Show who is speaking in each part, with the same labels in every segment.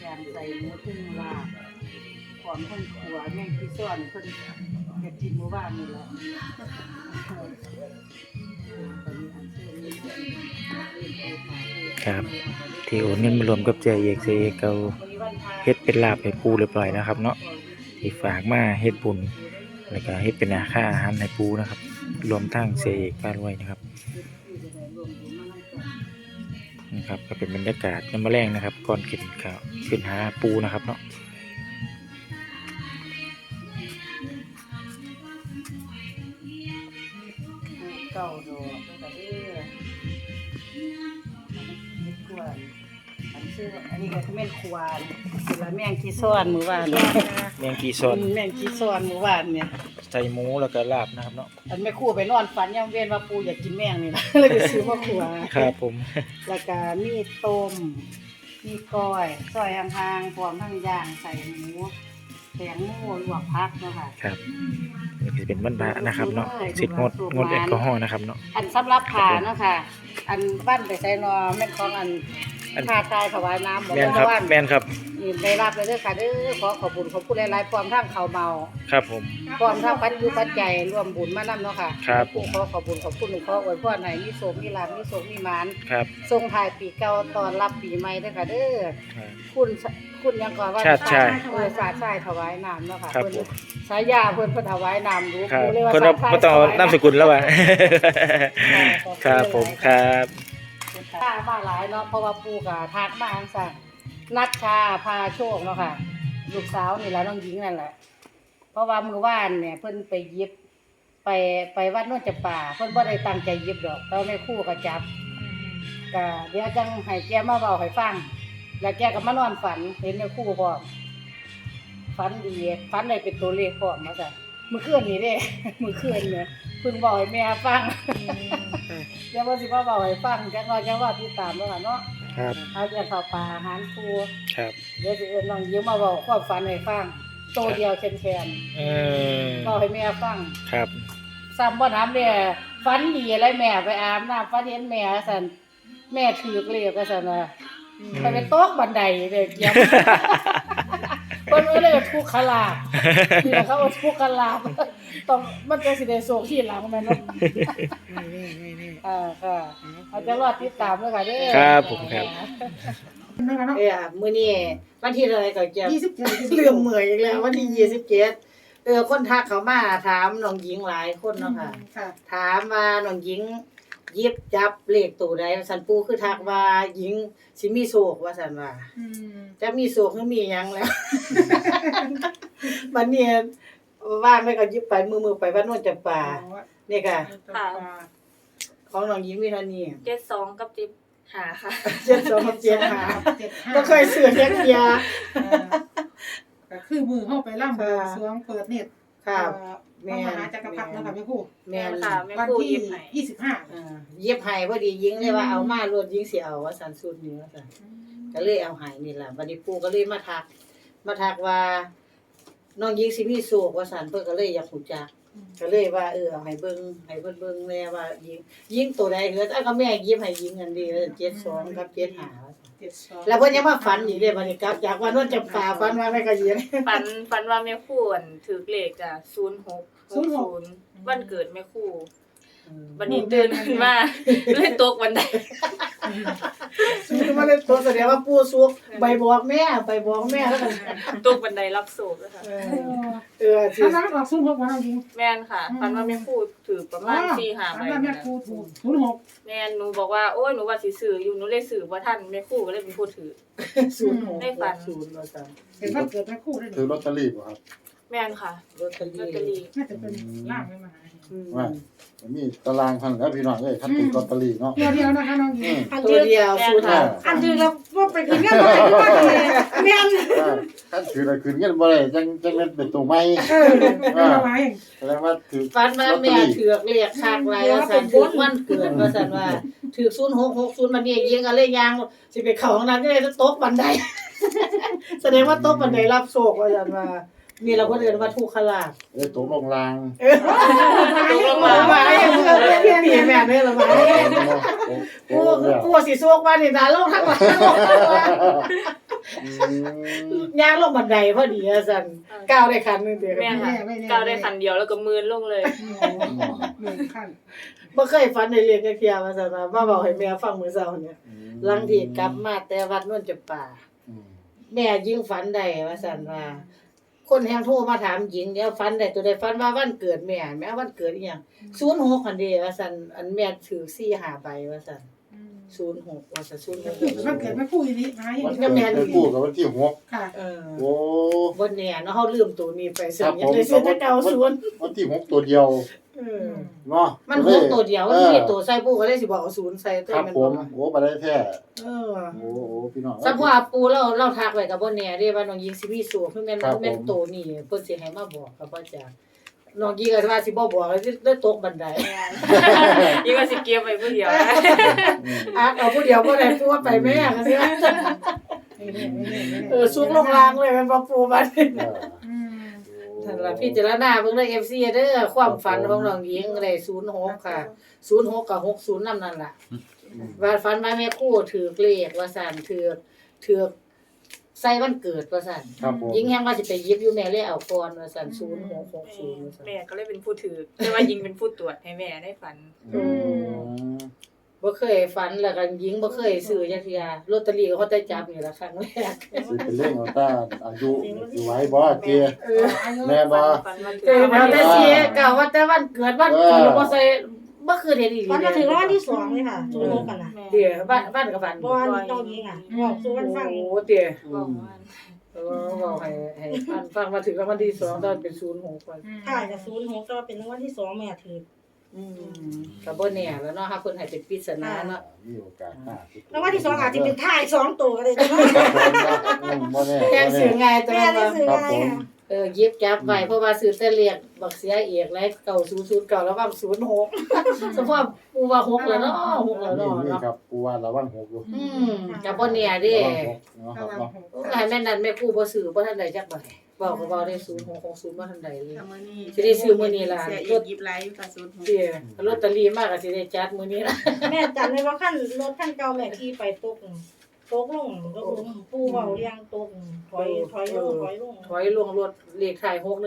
Speaker 1: การใส่หมูตึ้งลาบของเพิ่นขัวแม่งที่ซ่อนเพิ่นเฮ็ดกินหมู่บ้านนี่แหละ
Speaker 2: ครับที่โอนเงินมารวมกับเจเอกเอาเฮ็ดเป็นลาบให้ปูเรียบร้อยนะครับเนาะที่ฝากมาเฮ็ดบุญแล้วก็เฮ็ดเป็นค่าอาหารให้ปูนะครับรวมทั้งเจเอกป้ารวยนะครับนะครับก็เป็นบรรยากาศยามมื้อแลงนะครับก่อนกินข้าวขึ้นหาปูนะครับเนาะ
Speaker 1: เก้าดอกแล้วก็เด้อเฮ็ดกวนอันนี้ก็คือแม่นควานคือละแม่งที่ซ่อนหมู่บ้าน
Speaker 2: แมงกีซอน
Speaker 1: แม่งที่ซ่อนหมู่บ้านเนี่ย
Speaker 2: ใส่หมูแล้วก็ลาบนะครับเนาะ
Speaker 1: อันแม่ครู่ไปนอนฝันยังเว้นว่าปูอยากกินแม่งนี่นะ เลยไปซื้อมาขัว
Speaker 2: ครับผม
Speaker 1: แล้วก็มีต้มมีก้อยซอยห่างๆพร้อมทั้งย่างใส่หมูแตงโมลวกผักเนาะค่ะ
Speaker 2: ครับนี่คือเป็นวันพระนะครับเนาะสิทธิ์งดแอลกอฮอล์นะครับเนาะ
Speaker 1: อันสำหรับผ่าเนาะค่ะ อันบ้านไปใส่นอแม่นของอันผ่าตายถวายน้ำบอก
Speaker 2: แม่นครับ
Speaker 1: ว่า
Speaker 2: แม่นครับ
Speaker 1: นี่ได้รับเลยเด้อค่ะเด้อขอขอบคุณขอบคุณหลายๆพร้อมทั้งข้าวเมา
Speaker 2: ครับผม
Speaker 1: พร้อมทั้งปัจจุปัจจัยร่วมบุญมานำเนาะค่ะ
Speaker 2: ครับ
Speaker 1: ผู้ขอขอบคุณขอบคุณหลวงพ่ออวยพรให้มีโชคมีลาภมีโชคมีหมาน
Speaker 2: ครับ
Speaker 1: ส่งท้ายปีเก่าต้อนรับปีใหม่เด้อค่ะเด้อ
Speaker 2: ครับ
Speaker 1: คุณยังก่อนว่า
Speaker 2: ชาติชาย
Speaker 1: ศาสตร์ชายถวายน้ำเนาะค่ะ
Speaker 2: ครับ
Speaker 1: เพิ่น
Speaker 2: ผม
Speaker 1: สายยาเพิ่นถวายน้ำรู้
Speaker 2: ครับ
Speaker 1: รู้เลยว่า
Speaker 2: คนเรา
Speaker 1: ศาสตร์ชาย
Speaker 2: บ่ต้องเอานามสกุลแล้วว่ะ
Speaker 1: ถวายน้ำ
Speaker 2: ครับผมครับ
Speaker 1: ถ้ามาหลายเนาะเพราะว่าปู่ก็ทักมาจังซั่นนัชชาพาโชคเนาะค่ะลูกสาวนี่ล่ะน้องหญิงนั่นแหละเพราะว่ามื้อวานเนี่ยเพิ่นไปหยิบไปวัดโนนจำปาเพิ่นบ่ได้ตั้งใจหยิบดอกแต่แม่ครูก็จับก็เดี๋ยวจังให้แกมาเว้าให้ฟังแล้วแกก็มานอนฝันเห็นแม่ครูพร้อมฝันดีฝันได้เป็นตัวเลขพร้อมว่าซั่นมื้อคืนนี้เด้ มื้อคืนเนี่ยเพิ่นบอกให้แม่ฟัง เดี๋ยวว่าสิว่าเว้าให้ฟังจักหน่อยจังว่าติดตามเนาะค่ะเนาะ
Speaker 2: ครับ
Speaker 1: เอาจะเข้าป่าอาหารครู
Speaker 2: ครับ
Speaker 1: เดี๋ยวสิเอิ้นน้องยิ้มมาเว้าความฝันให้ฟังโตเดียวแคน
Speaker 2: เออ
Speaker 1: ๆเว้าให้แม่ฟัง
Speaker 2: ครับ
Speaker 1: ซ้ำบ่ถามเด้ฝันดีอะไรแม่ไปอาบน้ำฝันเห็นแม่ซั่นแม่ถูกเลขว่าซั่นว่าไปตกบันไดเด้เกี่ยว เพิ่นเลยทุกขลาภนี่เขาว่าทุกขลาภต้องมันจะสิได้โชคที่หลังแม่นเนาะ ค่ะเอาจะรอดติดตามด้วยค่ะเด้อ
Speaker 2: ครับผมครับ
Speaker 1: มื้อนี้วันที่อะไรก็จะ27ลืมมื้ออีกแล้ววันที่27คนทักเข้ามาถามน้องหญิงหลายคนเนาะค่ะ
Speaker 3: ค่ะ
Speaker 1: ถามว่าน้องหญิงหยิบจับเลขตัวใดสันปูคือทักว่าหญิงสิมีโชคว่าซั่นว่าจะมีโชคคือมีหยังแล้ว บัดนี้ว่างไว้ก็หยิบไปมือไปวัดโนนจำปานี่ค่ะ ของน้องหญิงมีเท่านี้
Speaker 3: 72กับ15ค่ะ
Speaker 1: 7275บ่เคยซื้อจักเที่ย
Speaker 3: ก็คือมือเข้าไปล่ำบวงสรวงเปิดเน็ต
Speaker 1: ครับ
Speaker 3: แม่มหาจักรพรรดินะคะแม่ครู
Speaker 1: แม่น
Speaker 3: ค่ะวันที่25
Speaker 1: เย็บให้พอดีหญิงเลยว่าเอามารวดหญิงสิเอาว่าซั่นสุดนี้ว่าซั่นก็เลยเอาให้นี่ล่ะบัดนี้ปู่ก็เลยมาทักว่าน้องหญิงสิมีโชคว่าซั่นเพิ่นก็เลยอยากรู้จักก็เลยว่าเอาให้เบิ่งให้เพิ่นเบิ่งแน่ว่าหญิงตัวใดเฮ็ดก็แม่หยิบให้หญิงอันนี้72กับ75ว่าซั่น
Speaker 3: 72
Speaker 1: แล้วเพิ่นยังมาฝันอีกเด้บัดนี้กลับจากว่าโนนจำปาฝันว่าแม่ก็หญิง
Speaker 4: ฝันว่าแม่ครูอั่นถือเลขจ้ะ0660วันเกิดแม่ครูวันนี้ตื่นขึ้นมาเลยตกบันได
Speaker 1: ซื้อมาเลยตัวแสดงว่าปู่สุกใบบอกแม่แล้วกัน
Speaker 4: ตกบันไดรับโศกแล้วค่ะ
Speaker 1: สิ
Speaker 3: ถ้าเราออกซุ่มพวกวันจริง
Speaker 4: แม่นค่ะฝันว่าแม่ครูถือประมาณ4-5ใบ
Speaker 3: แม่ครูถูก06
Speaker 4: แม่นหนูบอกว่าโอ้ยหนูว่าสิซื้ออยู่หนูเลยซื้อบ่ทันแม่ครูก็เลยเป็นผู้ถือ
Speaker 1: 06
Speaker 4: ได้ฝัน
Speaker 1: 0ว่าซั่น
Speaker 3: เป็นวันเกิดแม่ครูได้
Speaker 5: ถือลอตเตอรี่ป่ะครับ
Speaker 4: แม่นค่ะ
Speaker 1: ลอตเตอ
Speaker 4: ลอตเตอ
Speaker 1: รี่
Speaker 4: รี่
Speaker 3: น่าจะเป็นล่างไม่มาหา
Speaker 5: ว่ามีตารางพันแล้วพี่น้องเอ้ยคันถือลอตเตอรี่เนาะ
Speaker 3: เดียวนะคะน้องหญิง
Speaker 1: ตัวเดียวสูตร
Speaker 3: อันที่เราว่าไปกินกันบ่ได้ว่าดีแม่น
Speaker 5: คันถืออะไรคืนเงินบ่ได้จังเล่นเป็นตัวใหม่
Speaker 3: เป็นอะไร
Speaker 5: แสดงว่าถือ
Speaker 1: ฟันมาแม่ถือกเรียกคักหลายว่าซั่นถือวันเกิดว่าซั่นว่าถือ0660มันนี่ยิงก็เลยยางสิไปเข้าห้องน้ำจะได้ตกบันได แสดงว่าตกบันไดรับโชคว่าซั่นว่านี่เราก็เรียนว่าทุกขลาภ
Speaker 5: ได้ตกลงราง
Speaker 1: ตกลงมาตีแม่เนี่ยละมากูสิโชคว่านี่นะลงทั้งหลัง
Speaker 5: อืม
Speaker 1: ย่างลงบันไดพอดีอะซั่นก้าวได้คันหนึงเด้อ
Speaker 4: แม่ค่ะก้าวได้คันเดียวแล้วก็มืนลงเลย
Speaker 3: หนึ่งขั้น
Speaker 1: บ่เคยฝันได้เรียนจักเที่ยว่าซั่นว่ามาเว้าให้แม่ฟังมื้อเช้าเนี่ยหลังที่กลับมาแต่วัดนวลจำปา
Speaker 5: อืม
Speaker 1: แม่ยิ่งฝันได้ว่าซั่นว่า คนแฮงโทรมาถามหญิงเดี๋ยวฝันได้ตัวใดฝันว่าวันเกิดแม่วันเกิดอีหยัง06คันเด้ว่าซั่นอันแม่ถือ4 5ใบว่าซั่น06ว่าซั่น
Speaker 3: มันเกิดไม่พูดอีนี้นะ
Speaker 5: วันเกิดไปคู่กับวันที่6
Speaker 3: ค่ะ
Speaker 1: เออ
Speaker 5: โอ้
Speaker 1: บ่แน่เนาะเฮาลืมตัวนี้ไปซึ่
Speaker 5: ครั
Speaker 1: ง
Speaker 5: บ
Speaker 1: ยังได้ซื้อแต่เก่าศูนย์
Speaker 5: วันที่6ตัวเดียว
Speaker 1: เออ
Speaker 5: เนาะ
Speaker 1: มันหกตัวเดียวมันมีตัวใส่ปูก็เลยสิบอกเอาศูนย์ใส่ตัว
Speaker 5: ครับ
Speaker 1: มัน
Speaker 5: ผ
Speaker 1: บ่
Speaker 5: มโอ้บ่ได้แท้
Speaker 1: เออ
Speaker 5: โอ้พี่น้อง
Speaker 1: สัพพะปูเราทักไว้ก็บ่แน่เด้ว่าน้องหญิงสิมีสูคือแม่น
Speaker 5: ครับผม
Speaker 1: แม่นโตนี่เพิ่นสิให้มาบอกก็บ่จ้ะน้องหญิงก็ว่าสิบ่บอกสิได้ตกบันได
Speaker 4: ยิ่งก็สิเก็บไว้ผู้เดียวนะ
Speaker 5: อืม
Speaker 1: เอาผู้เดียวบ่ได้ปูว่าไปแม่ก็สิว่าสูงลงล่างเลยแม่นบ่ปูบัด
Speaker 5: เออ
Speaker 1: นั่นล่ะพิจารณาเบิ่งเด้อ FC เด้อความฝันของน้องหญิงได้06ค่ะ06กับ60นำนั่นล่ะ ว่าฝันว่าแม่ครู่ถือเลขว่าซั่นถือใส่วันเกิดว่าซั่น
Speaker 5: ครับผม
Speaker 1: ยิงแฮงว่าสิไปหยิบอยู่แม่เลยเอาก่อนว่าซั่น0660ว่าซั่น
Speaker 4: แม่ก็เลยเป็นผู้ถือแต่ว่ายิงเป็นผู้ตรวจให้แม่ได้ฝัน
Speaker 5: อืม
Speaker 1: บ่เคยฝันแล้วก็ยิงบ่เคยซื้อจักเที่ยลอตเตอรี่ก็เขาได้จับนี่ล่ะครั้งแรก
Speaker 5: สิเป็นเรื่องของตาอายุอยู่ไว้บ่เจี
Speaker 1: เออ
Speaker 5: แม่บ่
Speaker 4: ฝันว่า
Speaker 1: เออเอาแต่เสียก็ว่าแต่วันเกิดบ่ใส่บ่คือเฮ็ดอีหลี
Speaker 6: วันมาถึงรางวัลที่สองเลยค่ะศูนย์หกกันนะ
Speaker 1: เดี๋ยวบ้านก็ฝัน
Speaker 6: บอลน้องยิงอ่ะบอกสู่วันฟัง
Speaker 1: โอ้เดี๋ยว
Speaker 4: บอกว่า
Speaker 1: บอกให้ฟังมาถึงรางวัลที่2ตอนเป็น06ก่อน
Speaker 6: ถ่ายกับศูนย์หกก็เป็นรางวัลที่สองแม่ถือ
Speaker 1: ก็บ่แน่แล้วเนาะค่ะเพิ่นให้เป็นปริศนาเนาะ
Speaker 5: มีโอกาสมาก
Speaker 6: รางวัลที่สองอาจจะเป็นถ่ายสองตัวก็ได้นะ
Speaker 5: ครับผมบ่แน่
Speaker 1: แจ้งสื่อง่ายตัว
Speaker 6: แม่
Speaker 1: นั้น
Speaker 6: ได้ซื้อ
Speaker 5: ครับ
Speaker 6: ได้
Speaker 5: ผม
Speaker 6: ค่ะ
Speaker 1: หยิบจับไว้เพราะว่าซื้อแต่เรียกบักเสียเอกแล้ว9009แล้วว่า06สมมุติว่าปูว่า6แล้วเนาะ6แล้ว
Speaker 5: นี่
Speaker 1: เนาะ
Speaker 5: นี่
Speaker 1: เนาะ
Speaker 5: ครับกูว่าระวัง6อยู่
Speaker 1: ก็บ่แน่เด้
Speaker 5: เนาะครับเนาะ
Speaker 1: ให้แม่นั้นแม่ครูบ่ซื้อบ่ทันได้จักใบเว้าก็เว้าได้0660บ่ทันได้เลย
Speaker 3: มื้อนี้
Speaker 1: สิได้ซื้อมื้อนี้ล่ะ
Speaker 3: เสียอีกยิบไลฟ์กับศูนย์หก
Speaker 1: เด้ลอตเตอรี่มาก็สิได้จัดมื้อนี้ล่ะ
Speaker 6: แม่จำได้ว่าขั้นรถขั้นเก่าแม่ขี่ไปตกลงก็คือผู้เบาเรียงตกถอยลง
Speaker 1: ถอยลงรถเลขท้าย616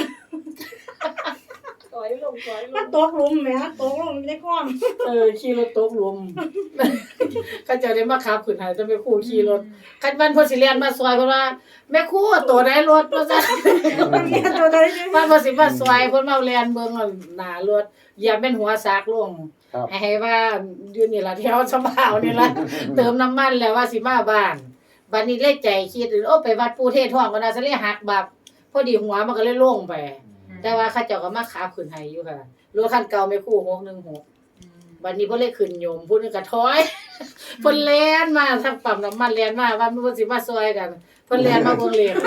Speaker 1: ถอยลง
Speaker 6: มันตกหลุมแม่ตกลงไม่ได้ความ
Speaker 1: ขี่รถตกหลุม เขาเจะได้มาขับขึ้นให้แต่แม่ครูขี่รถคันวันเพิ่นสิเรียนมาซอยเพิ่นว่าแม่ครูตัวใดรถว่าซั่น
Speaker 6: เรียนตัวใดเนี่ย
Speaker 1: ว่าบ่สิมาซอยเพิ่นมาเรียนเบิ่งหน้ารถอย่าเป็นหัวซากลง
Speaker 5: ครับ
Speaker 1: ให้ว่าอยู่นี่ล่ะแถวชะบ่าวนี่ล่ะ เติมน้ำมันแล้วว่าสิมาบ้านบัดนี้เลยใจคิดโอ้ไปวัดปู่เทศท่องก็น่าสิเลยหักบับพอดีหัวมันก็เลยลงไป แต่ว่าเขาเจ้าก็มาขับขึ้นให้อยู่ค่ะรถคันเก่าแม่ครู616บัดนี้เพิ่นเลยขึ้นโยมผู้นึงก็ถอย เพิ่นแล่นมาทางปั๊มน้ำมันแล่นมาว่ามันบ่สิมาซอยกันเพิ่นแล่นมาเบิ่งเลข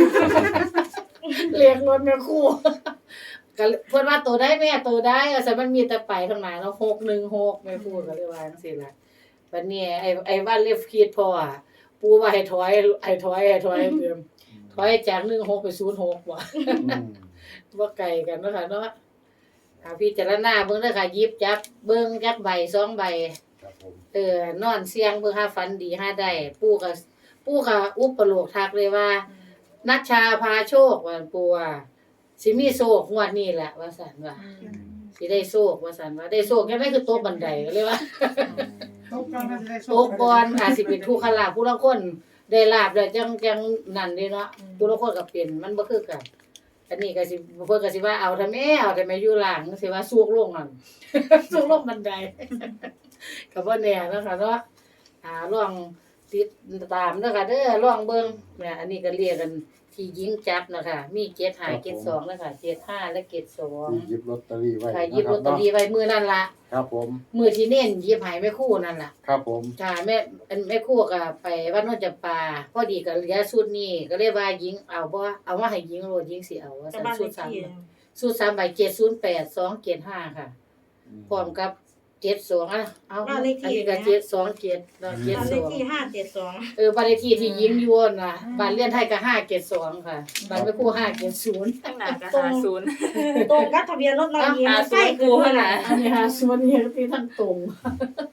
Speaker 1: เลขรถแม่ครูก็เพิ่นว่าตัวใดแม่ตัวใดซั่นมันมีแต่ไปข้างหน้าเนาะ616แม่ครูก็เลยว่าจังซี่ล่ะบัดนี้ไอ้ว่าเลฟคิดพออ่ะปู่ว่าให้ถอยเดิมถอยจาก16ไป06ว่ะ บ่ไกลกันเนาะค่ะเนาะพิจารณาเบิ่งเด้อค่ะหยิบจับเบิ่งจักใบ2ใบ
Speaker 5: ครับผม
Speaker 1: นอนเสียงเบิ่งหาฝันดีหาได้ปู่ก็อุปโลกทักเลยว่านัชชาพาโชคว่าปู่ว่าสิมีโชคงวดนี้แหละว่าซั่นว่าสิได้โชคว่าซั่นว่าได้โชคยังไงคือตกบันไดก็เลยว่า
Speaker 3: ตกก่อนก็จะได้โช
Speaker 1: ตกก่อนอาจสิเป็นทุกขลาภผู้ลางคนได้ลาภแล้วจังนั่นเด้เนาะผู้ลางคนก็เป็นมันบ่คือกัน อันนี้ก็สิเพิ่นก็สิว่าเอาทำไมอยู่หลังสิว่าสูกลงนั่น สูกลงบันได ก็บ่แน่เนาะค่ะเนาะลองติดตามเด้อค่ะเด้อลองเบิ่งเนี่ยอันนี้ก็เรียกกันที่ยิงจับนะคะมี75 72นะคะ75และ72
Speaker 5: หยิบลอตเตอรี่ไว้
Speaker 1: ค่ะหยิบลอตเตอรี่ไว้มื้อนั้นล่ะ
Speaker 5: ครับผม
Speaker 1: มื้อที่เน้นหยิบให้แม่ครูนั่นล่ะ
Speaker 5: ครับผม
Speaker 1: ค่ะแม่ครูก็ไปวัดโนนจำปาพอดีก็เหลือชุดนี้ก็เลยว่าหญิงเอาบ่เอามาให้หญิงโลดหญิงสิเอาว่า
Speaker 6: กับ
Speaker 1: ซั่น
Speaker 6: บ้าน
Speaker 1: ชุ
Speaker 6: เล
Speaker 1: ด
Speaker 6: ขที่
Speaker 1: ชุด3ใบ708 275ค่ะพร้อมกับ72อ่ะเอาอันนี้ก็727แล้ว
Speaker 6: บ้านเลขที่
Speaker 1: 72
Speaker 6: 572
Speaker 1: บ้านเลขที่ที่หญิงอยู่น่ะบ้านเรียนไทยก็572ค่ะบ้านแม่ครู570
Speaker 4: ข้างหน้าก็50
Speaker 6: ตรงกับทะเบียนรถเราเอง
Speaker 4: อ่า
Speaker 6: ใกล้
Speaker 4: ศูนย์
Speaker 6: คือขนาด
Speaker 1: อันนี้50นี่คือที่ทั้งตรง
Speaker 6: แม่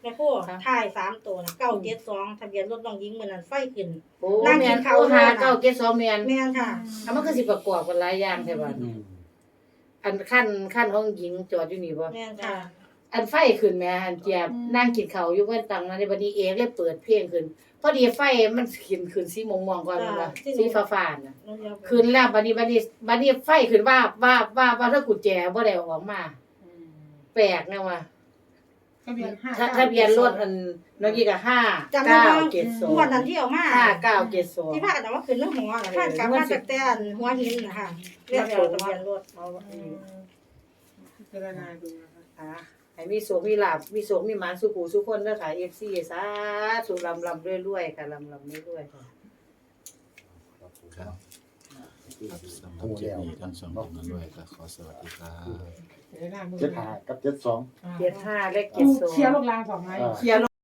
Speaker 6: ม่ครู่ถ่าย3ตัวน่ะ972ทะเบียนรถน้องหญิงมื้อนั้นไฟขึ้น
Speaker 1: โอ้
Speaker 6: นั่งกิ
Speaker 1: แม่น
Speaker 6: นข้าว
Speaker 1: โอ้หา
Speaker 6: อยู่น่ะ
Speaker 1: เก้าเก็ด2แม่น
Speaker 6: แม่นค่ะ
Speaker 1: อ่ะมันก็สิประกอบกันหลายอย่างแท้บัด
Speaker 5: อืม
Speaker 1: อันขั้นของหญิงจอดอยู่นี่บ่
Speaker 6: แม่นค่ะ
Speaker 1: อันไฟขึ้นแม่อันเจียบนั่งกินข้าวอยู่เพิ่นตังนั้นในบัดนี้เองเลยเปิดเพลงขึ้นพอดีไฟมันขึ้นสีม่วงๆก่อนนั่นล่ะสีฟ้าๆน่ะ
Speaker 6: น้องเดียว
Speaker 1: ขึ้นแล้วบัดนี้ไฟขึ้นว่าถ้ากุญแจบ่ได้เอาออกมา แปลกนะว่า
Speaker 3: ทะเบียน
Speaker 1: ทะเบียนรถอันน้องยี่ก็5
Speaker 6: จำได้ว่า
Speaker 1: 972
Speaker 6: งวดนั้นที่เอามา
Speaker 1: 5972
Speaker 6: ที่พากันเอามาขึ้นเรื่องหัวน่ะพากันมาจากแต่อันหัวหินน่ะค่ะเรียกเอาทะเบียนรถ
Speaker 3: พิจารณาดูนะคะ
Speaker 1: อ่ะให้มีโชคมีลาภมีโชคมีหมานสุขูสุขคนเด้อค่ะ FC สาธุลำรวยๆค่ะลำรวยๆค่ะ
Speaker 7: ครับสำหรับคลิปนี้ทั้งสองท่านด้วยก็ขอสวัสดีครับ
Speaker 3: เดี๋ยวหน้ามือ
Speaker 5: 75กับ72
Speaker 1: 75เลข
Speaker 3: กูเคลียร์
Speaker 1: 72
Speaker 3: ลูกลางสองไม้
Speaker 1: เคลียร์